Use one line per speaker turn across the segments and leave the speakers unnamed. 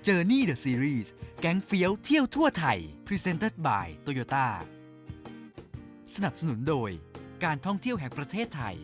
Journey the Series แก๊งเฟี้ยวเที่ยวทั่วไทย Presented by Toyota สนับสนุนโดยการท่องเที่ยวแห่งประเทศไทย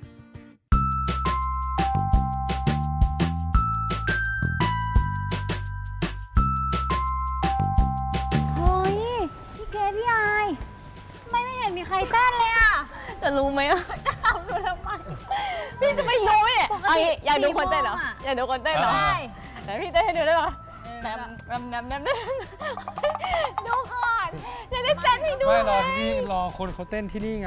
เฮ้ยพี่เกพี่อายไม่เห็นมีใครเต้นเลยอ่ะจะรู้ไหมอ่ะจะทำดูทำไมพี่จะไม่รู้เนี่ยเอางี้อยากดูคนเต้นเหรออยากดูคนเต้นเหรอใช่แต่พี่เต้นให้ดูได้ปะแนมดูก่อนจะได้เต้นให้ดู
ไม่รอที่นี่รอคนเขาเต้นที่นี่ไง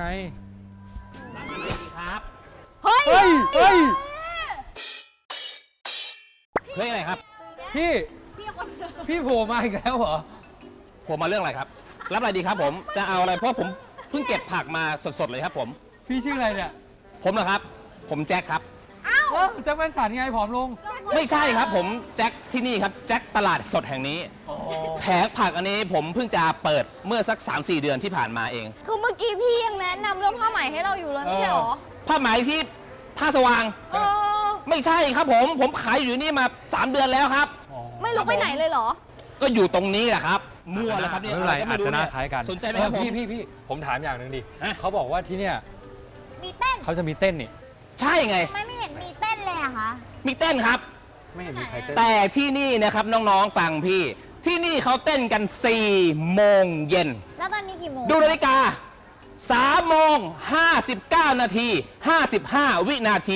ครับ
เฮ้ย
เฮ้ย
เฮ้ยอะไรครับ
พี่โผล่มาอีกแล้วเหรอ
ผมมาเรื่องอะไรครับ รับอะไรดีครับผมจะเอาอะไรเพราะผมเพิ่งเก็บผักมาสดๆเลยครับผม
พี่ชื่ออะไรเนี่ย
ผมเหรอครับ ผมแจ็คครับ
แจ็คแฟนฉันไงผอมลง
ไม่ใช่ครับผมแจ็คที่นี่ครับแจ็คตลาดสดแห่งนี้แผงผักอันนี้ผมเพิ่งจะเปิดเมื่อสัก 3-4 เดือนที่ผ่านมาเอง
คือเมื่อกี้พี่ยังแนะนำเรื่องผ้าไหมให้เราอยู่เลยไม่ใช่หรอ
ผ้าไหมที่ท่าสว่าง ไม่ใช่ครับผมขายอยู่นี่มา 3 เดือนแล้วครับ
ไม่ลุกไปไหนเลยเหรอ
ก็อยู่ตรงนี้แหละครับมั่วแล้วครับเนี่ย
ไม่เป็นไร
ก็
อาจจะน่าคล้ายกัน
สนใจไหมครับผม
พี่ผมถามอย่างหนึ่งดิ
ฮะ
เขาบอกว่าที่เนี่ย
มีเต้น
เขาจะมีเต้นนี่
ใช่ไง
ไม่เห็นมีเต้นเลยอะคะ
มีเต้นครับ
ไม่เห็นมีใครเต้น
แต่ที่นี่นะครับน้องๆฟังพี่ ที่นี่เขาเต้นกัน 4 โมงเย็น
แล้วตอนนี้กี่โมง
ดูนาฬิกา 3 โมง 59 นาที 55 วินาที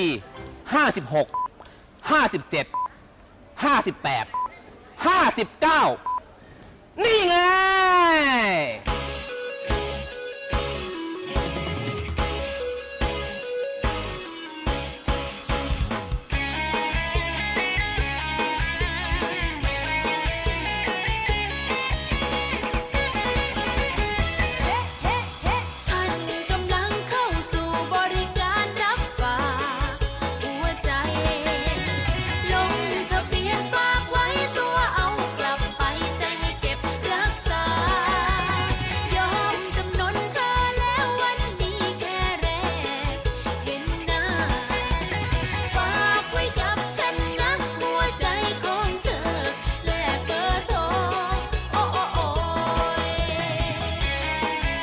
56 57 58 59 นี่ไง
ท่านกำลังเข้าสู่บริการรับฝากหัวใจ ลงทะเบียนฝากไว้ตัวเอากลับไปใจให้เก็บรักษา ยอมจำนนเธอแล้ววันนี้แค่แรกเห็นหน้า ฝากไว้กับฉันนะหัวใจของเธอแลกเบอร์โทรโอ้โอ้โอ้ย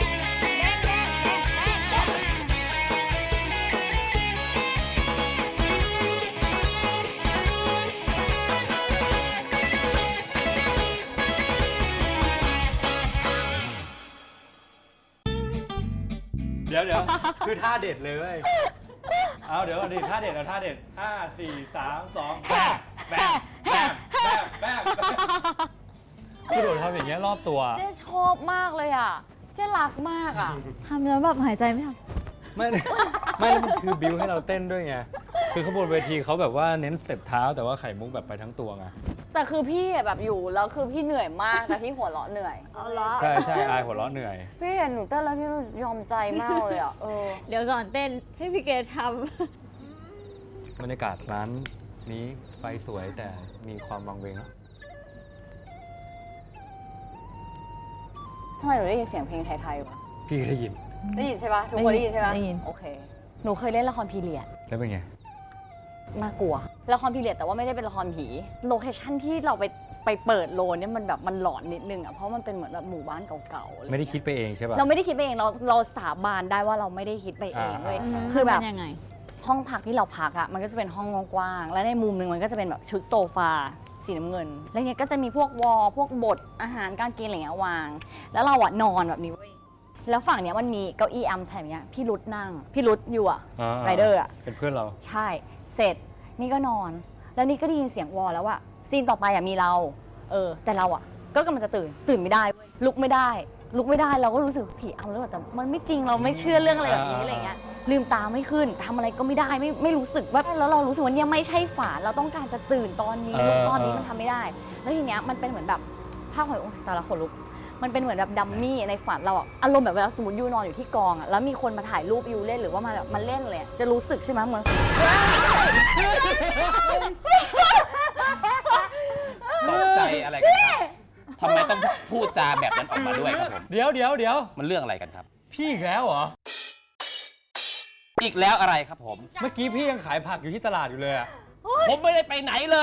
เดี๋ยวคือท่าเด็ดเลยเว้ยเอาเดี๋ยวก่อนดิท่าเด็ดเอาท่าเด็ด5 4 3 2แบมแบมแบมแบมคือโดดทำอย่างเงี้ยรอบตัว
เจ๊ชอบมากเลยอ่ะ เจ๊รักมากอ่ะทำแล้วแบบหายใจไม่ทัน
ไม่ ไม่แล้วมันคือบิวให้เราเต้นด้วยไง คือขบวนเวทีเขาแบบว่าเน้นสเต็ปเท้าแต่ว่าไข่มุกแบบไปทั้งตัวไง
แต่คือพี่อะแบบอยู่แล้วคือพี่เหนื่อยมากแต่พี่หัวเราะเหนื่อย
ใช่ใช่อายหัวเราะเหนื่อย
พี่เห็นหนูเต้นแล้วพี่ยอมใจมากเลยอ่ะ
เดี๋ยวสอนเต้นให้พี่เกดท
บรรยากาศร้านนี้ไฟสวยแต่มีความวังเวงเนอะ
ทำไมหนูได้ยินเสียงเพลงไทยๆวะ
พี่ได้ยิน
ได้ยินใช่ปะทุกคนได้ยินใช่ปะ
ได้ยิน
โอเค หนูเคยเล่นละครพีเรียด
แล้วเป็นไง
น่ากลัวละครพีเรียดแต่ว่าไม่ได้เป็นละครผีโลเคชั่นที่เราไปเปิดโลนเนี่ยมันแบบมันหลอนนิดนึงอ่ะเพราะมันเป็นเหมือนแบบหมู่บ้านเก่าๆอะไร
ไม่ได้คิดไปเองใช่ป่ะ
เราไม่ได้คิดไปเองเราสาบานได้ว่าเราไม่ได้คิดไปเองเลย
ำ
คือแบบ
มันยังไง
ห้องพักที่เราพักอ่ะมันก็จะเป็นห้องกว้างๆและในมุมหนึ่งมันก็จะเป็นแบบชุดโซฟาสีน้ำเงิน แล้วเนี่ยก็จะมีพวกวอลพวกบทอาหารการกินอะไรเงี้ยวาง แล้วเราอ่ะนอนแบบนี้เว้ยแล้วฝั่งเนี้ยมันมีเก้าอี้อัมแถมเนี้ยพี่รุดนั่งพี่รุดอยู่อ่ะไรเดอร์อ่ะ
เป็นเพื่อนเรา
ใช่ เสร็จ นี่ก็นอน แล้วนี่ก็ได้ยินเสียงวอลแล้วว่าซีนต่อไปอ่ะมีเรา แต่เราอ่ะ ก็กำลังจะตื่นไม่ได้เว้ยลุกไม่ได้ เราก็รู้สึกผีเอาแล้วแต่มันไม่จริงเราไม่เชื่อเรื่องอะไรแบบนี้อะไรเงี้ย ลืมตาไม่ขึ้นทำอะไรก็ไม่ได้ไม่รู้สึกว่าแล้วเรารู้สึกว่าเนี่ยไม่ใช่ฝันเราต้องการจะตื่นตอนนี้ลุกตอนนี้มันทำไม่ได้ แล้วทีเนี้ยมันเป็นเหมือนแบบภาพของแต่ละคนลุก มันเป็นเหมือนแบบดัมมี่ในฝันเราอะอารมณ์แบบเวลาสมมติยูนอนอยู่ที่กองอะแล้วมีคนมาถ่ายรูปยูเล่นหรือว่ามาแบบมาเล่นเลยอะจะรู้สึกใช่ไหมเหมือน
ตกใจอะไรกันครับทำไมต้องพูดจาแบบนั้นออกมาด้วยครับผม
เดี๋ยว
มันเรื่องอะไรกันครับ
พี่อีกแล้วเหรอ
อีกแล้วอะไรครับผม
เมื่อกี้พี่ยังขายผักอยู่ที่ตลาดอยู่เลยอะ
ผมไม่ได้ไปไหนเลยครับ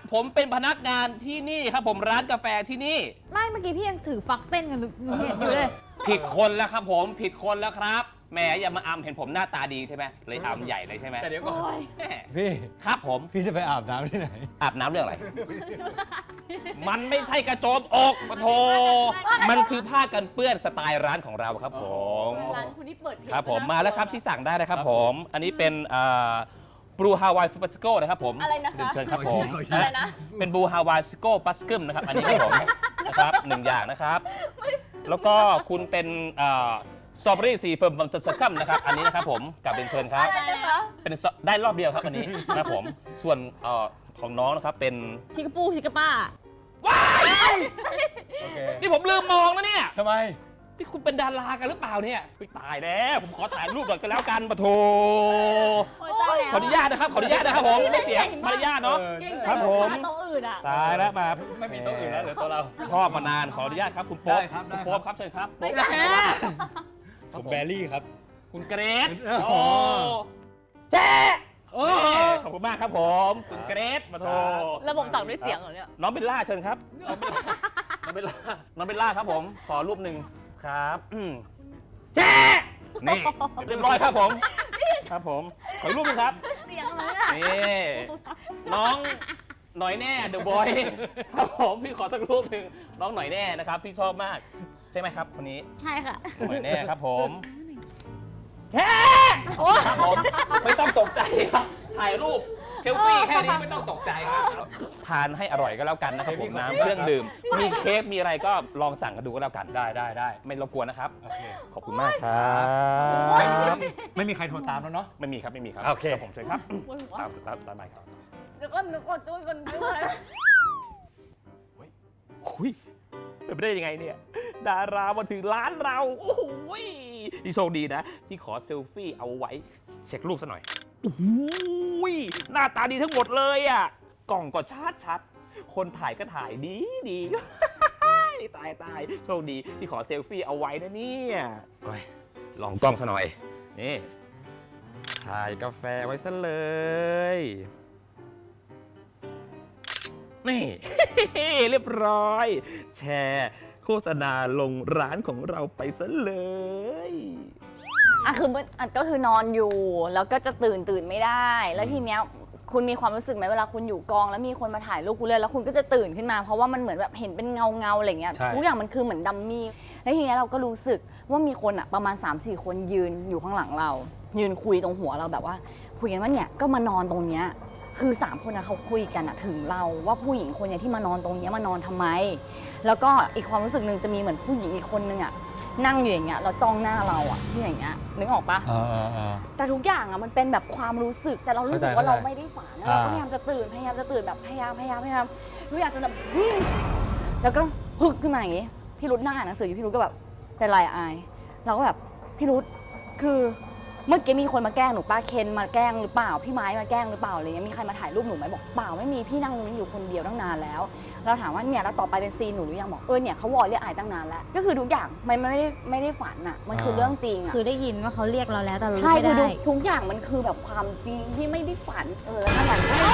ผมเป็นพนักงานที่นี่ครับผมร้านกาแฟที่นี่
ไม่เมื่อกี้พี่ยังถือฟักเต้นกันหนูเห็นอยู่เลย
ผิดคนแล้วครับผมผิดคนแล้วครับแหมอย่ามาอำเห็นผมหน้าตาดีใช่ไหมเลยอำใหญ่เลยใช่ไหม
แต่เดี๋ยวก่อน
โอ้ย
แหม
พี่
ครับผม
พี่จะไปอาบน้ำที่ไหน
อาบน้ำเรื่องอะไร มันไม่ใช่กระโจมอกปะโถมันคือผ้ากันเปื้อนสไตล์ร้านของเราครับผม
ร้านคุณที่เปิดเพจ
ครับผม
นะ
มาแล้วครับที่สั่งได้นะครับผม อันนี้เป็นบลูฮาวายฟูปัสโก้นะครับผม
อะไรนะคะ
เรียนเชิญครับผม
อะไรนะ
เป็นบลูฮาวายสโก้ปัสกึมนะครับอันนี้ครับผมนะครับ1อย่างนะครับ แล้วก็คุณเป็นสตรอเบอรี่ซีเฟิร์มบัมสกัมนะครับอันนี้นะครับผมกับเรียนเชิญครับ
อะไรนะคะ
เป็นได้รอบเดียวครับอันนี้ครับผมส่วนของน้องนะครับเป็น
ชิคกปูชิคกป้า
ว้าย
โอเค
นี่ผมลืมมองนะเนี่ย
ทำไม
ที่คุณเป็นดารากันหรือเปล่าเนี่ยอุ๊ยตายแล้วผมขอถ่ายรูปหน่อยก็แล้วกันปะโถ
โอ้ยตายแล้ว
ขออนุญาตนะครับขออนุญาตนะครับผมไม่เสียมารยาทเนาะ
เก่ง
ครับผม
ตรงอื่นอ่ะ
ตายแล้วมา
ไม่มีโต๊ะอื่นแล้วเหรือโต๊ะเรา
ชอบมานานขออนุญาตครับคุณโป๊ป
ได้ครับได้
คุณโป๊ปครับเชิญครับ
ไม่ใช่
ผมแบรี่ครับ
คุณเกรซ
อ๋อ
โอ้แจ๊
โอ้
ขอบคุณมากครับผมคุณเกรซมาโท
ระบบสั่งด้วยเสียงเหรอเนี่ย
น้องเบลล่าเชิญครับน้องเบลล่าน้องเบลล่าครับผมขอรูปหนึ่งครับแจ๊นี่เรียบร้อยครับผมครับผมขออีกรูปหนึงครับ
เสียงเลยอ่ะ
นี่น้องหน่อยแน่เดอะบอยครับผมพี่ขอสักรูปหนึ่งน้องหน่อยแน่นะครับพี่ชอบมากใช่ไหมครับคนนี้
ใช่ค่ะ
หน่อยแน่ครับผมแช่ครับผมไม่ต้องตกใจครับถ่ายรูปเซลฟี่แค่นี้ไม่ต้องตกใจครับทานให้อร่อยก็แล้วกันนะครับผมน้ำเครื่องดื่มมีเค้กมีอะไรก็ลองสั่งกันดูก็แล้วกัน
ได้
ไม่รบกวนนะครับ
โอเค
ขอบคุณมากครับ
ไม่มีใครโทรตามแล้วเนาะ
ไม่มีครับไม่มีครับ
โอเค
รับผมเชิญครับตามไปครับ
เดี๋ยวก็นึกว่าจุ้ยคนด้วย
หุยเป็นไปได้ยังไงเนี่ย ดารามาถึงร้านเรา โอ้โหที่โชคดีนะ ที่ขอเซลฟี่เอาไว้ เช็ครูปซะหน่อย โอ้โหหน้าตาดีทั้งหมดเลยอ่ะ กล่องก็ชัด คนถ่ายก็ถ่ายดีดี ตายโชคดีที่ขอเซลฟี่เอาไว้นะเนี่ยโอ้ยลองกล้องซะหน่อย นี่ ถ่ายกาแฟไว้ซะเลย นี่ เรียบร้อย แชร์โฆษณาลงร้านของเราไปซะเลย
อ่ะคือก็คือนอนอยู่แล้วก็จะตื่นไม่ได้ แล้วทีเนี้ยคุณมีความรู้สึกไหมเวลาคุณอยู่กองแล้วมีคนมาถ่ายรูปคุณเลยแล้วคุณก็จะตื่นขึ้นมาเพราะว่ามันเหมือนแบบเห็นเป็นเงาอะไรเงี้ย
ใช่
ทุกอย่างมันคือเหมือนดัมมี่แล้วทีเนี้ยเราก็รู้สึกว่ามีคนอ่ะประมาณ 3-4 คนยืนอยู่ข้างหลังเรา ยืนคุยตรงหัวเราแบบว่าคุยกันว่าเนี่ยก็มานอนตรงเนี้ยคือ3คนนะเขาคุยกันอะถึงเราว่าผู้หญิงคนเนี้ยที่มานอนตรงเนี้ยมานอนทำไม แล้วก็อีกความรู้สึกหนึ่งจะมีเหมือนผู้หญิงอีกคนนึงอะนั่งอยู่อย่างเงี้ยแล้วจ้องหน้าเราอะที่อย่างเงี้ยนึกออกปะ แต่ทุกอย่างอะมันเป็นแบบความรู้สึกแต่เรารู้สึกว่าเราไม่ได้ฝันนะเราก็พยายามจะตื่นแบบพยายามทุกอย่างจะแบบแล้วก็พึกขึ้นมาอย่างงี้พี่รุธนั่งอ่านหนังสืออยู่พี่รุธก็แบบเป็นไรอะอายเราก็แบบพี่รุธคือเมื่อกี้มีคนมาแกล้งหนูป้าเคนมาแกล้งหรือเปล่าพี่ไม้มาแกล้งหรือเปล่าอะไรเงี้ยมีใครมาถ่ายรูปหนูไหมบอกเปล่าไม่มีพี่นั่งตรงนี้อยู่คนเดียวตั้งนานแล้วเราถามว่าเนี่ยแล้วต่อไปเป็นซีนหนูหรือยังบอกเนี่ยเขาวอลเรียกอายตั้งนานแล้วก็คือทุกอย่างมันไม่ได้ฝันอะมันคือเรื่องจริงอะ
คือได้ยินว่าเขาเรียกเราแล้วแต่เรา
ใช่
ไม่
คือ
ได้
ทุกอย่างมันคือแบบความจริงที่ไม่ได้ฝันแล้วขนาดนี้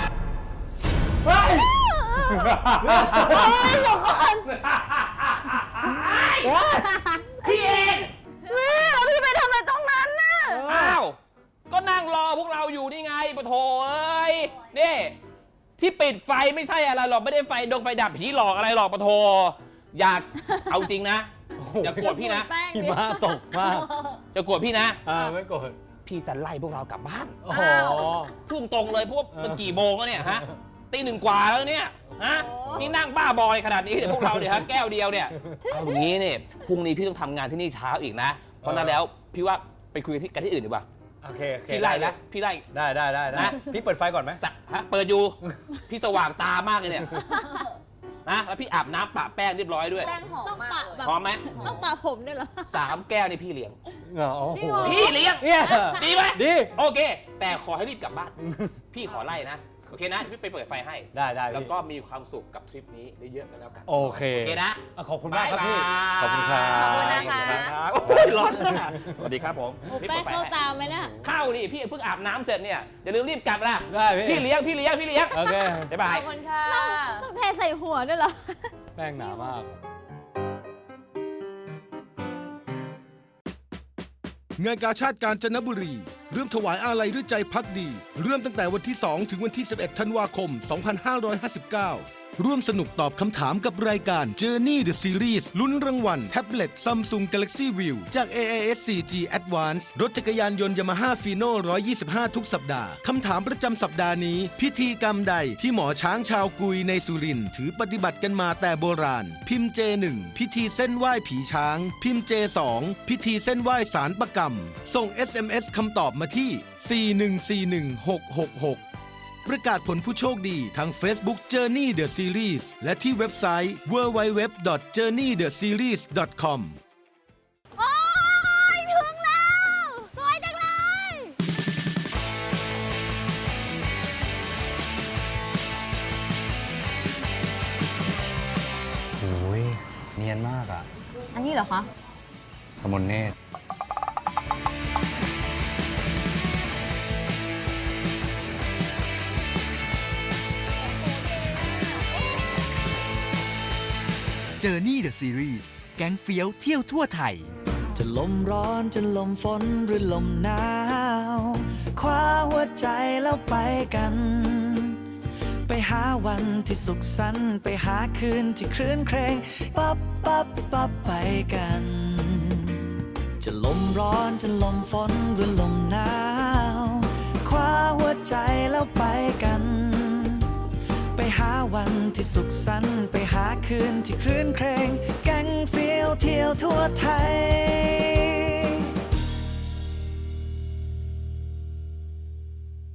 พี่เอง
แล้วพี่ไปทำอะไรตรงนั้นน่ะ
อ้าว ก็นั่งรอพวกเราอยู่นี่ไงปะโถเอ้ย นี่ ที่ปิดไฟไม่ใช่อะไรหรอก ไม่ได้ไฟดับผีหลอกอะไรหรอกปะโถอยากเอาจริงนะ อย่าโกรธพี่นะ
แป้ง
หิ
ดิ
มะตกมาก
อย่าโกรธพี่นะ
ไม่โกรธ
พี่จะไล่พวกเรากลับบ้าน
โอ้โห
ทุ่มตรงเลยเพราะว่ามันกี่โมงแล้วเนี่ยฮะ ตี 1 กว่าแล้วเนี่ย ฮะ นี่นั่งบ้าบอยขนาดนี้เนี่ยพวกเราเนี่ยฮะแก้วเดียวเนี่ย เอาอย่างนี้เนี่ยพรุ่งนี้พี่ต้องทำงานที่นี่เช้าอีกนะ เพราะนั้นแล้วพี่ว่าไปคุยกันที่อื่นดีกว่า
โอเค
พี่ไล่นะพี่ไล่
ได้นะพี่เปิดไฟก่อนไหม
ฮะเปิดอยู่ พี่สว่างตามากเลยเนี่ยนะแล้วพี่อาบน้ำปะแป้งเรียบร้อยด้วย
แป้งหอม
ต้อง
มา
ปะ
ก
แบบ
พร้อมไหม
ต้องปะผมด้วยเหรอ
3 แก้วนี่พี่เลี้ยง
โอ้โห
จริงเหรอ
พี่เลี้ยง
เนี่ย
ดีไหม
ดี
โอเค แต่ขอให้รีบกลับบ้าน พี่ขอไล่นะโอเคนะพี่ไปเปิดไฟให้
ได้ได้
แล้ว
พี่
ก็มีความสุขกับทริปนี้เยอะๆกันแล้วกัน
โอเค
โอเคนะ
ขอบคุณมากครับพี่
บ๊ายบาย
ขอบคุณครับ
ขอบคุณนะคะ
สวัสดีครับโอ้ยร้อนมากสวัสดีครับผม
โอ้
พี่
แป้
ปิ
ง
ดไฟ
เข้า
ให้
ตามไหมเนี่ย
เข้าดิพี่เพิ่งอาบน้ำเสร็จเนี่ยอย่าลืมรีบกลับนะ
ได้พี่
พี่เลี้ยง
โอเค
บ๊ายบา
ข
ย
อบคุณค่ะ
ต้องเทใส่หัวด้วยเหรอ
แป้งหนามาก
งานกาชาติกาญจนบุรีเริ่มถวายอาลัยด้วยใจพักดี เริ่มตั้งแต่วันที่ 2 ถึงวันที่ 11 ธันวาคม 2559 ร่วมสนุกตอบคำถามกับรายการ Journey the Series ลุ้นรางวัลแท็บเล็ต Samsung Galaxy View จาก AIS 4G Advance รถจักรยานยนต์ Yamaha Fino 125 ทุกสัปดาห์ คำถามประจำสัปดาห์นี้ พิธีกรรมใดที่หมอช้างชาวกุยในสุรินทร์ถือปฏิบัติกันมาแต่โบราณ พิมพ์ J1 พิธีเส้นไหว้ผีช้าง พิมพ์ J2 พิธีเส้นไหว้สารประกรรม ส่ง SMS คำตอบมาที่ 4141666 ประกาศผลผู้โชคดีทาง Facebook Journey the Series และที่เว็บไซต์ www.journeytheseries.com
โอ้ยถึงแล้ว สวยจังเลย
โอ้ยเนียนมากอ่ะ
อันนี้เหรอคะ
กมลเนตร
Journey the Series แก๊งเฟี้ยวเที่ยวทั่วไทย
จะลมร้อนจะลมฝนหรือลมหนาวคว้าหัวใจแล้วไปกัน ไปหาวันที่สุขสันต์ไปหาคืนที่คลื่นเครงปั๊บปั๊บปั๊บไปกัน จะลมร้อนจะลมฝนหรือลมหนาวคว้าหัวใจแล้วไปกัน ไปหาวันที่สุขสันต์ไปหาคืนที่คลื่นเครงแก๊งเฟี้ยวเที่ยวทั่วไทย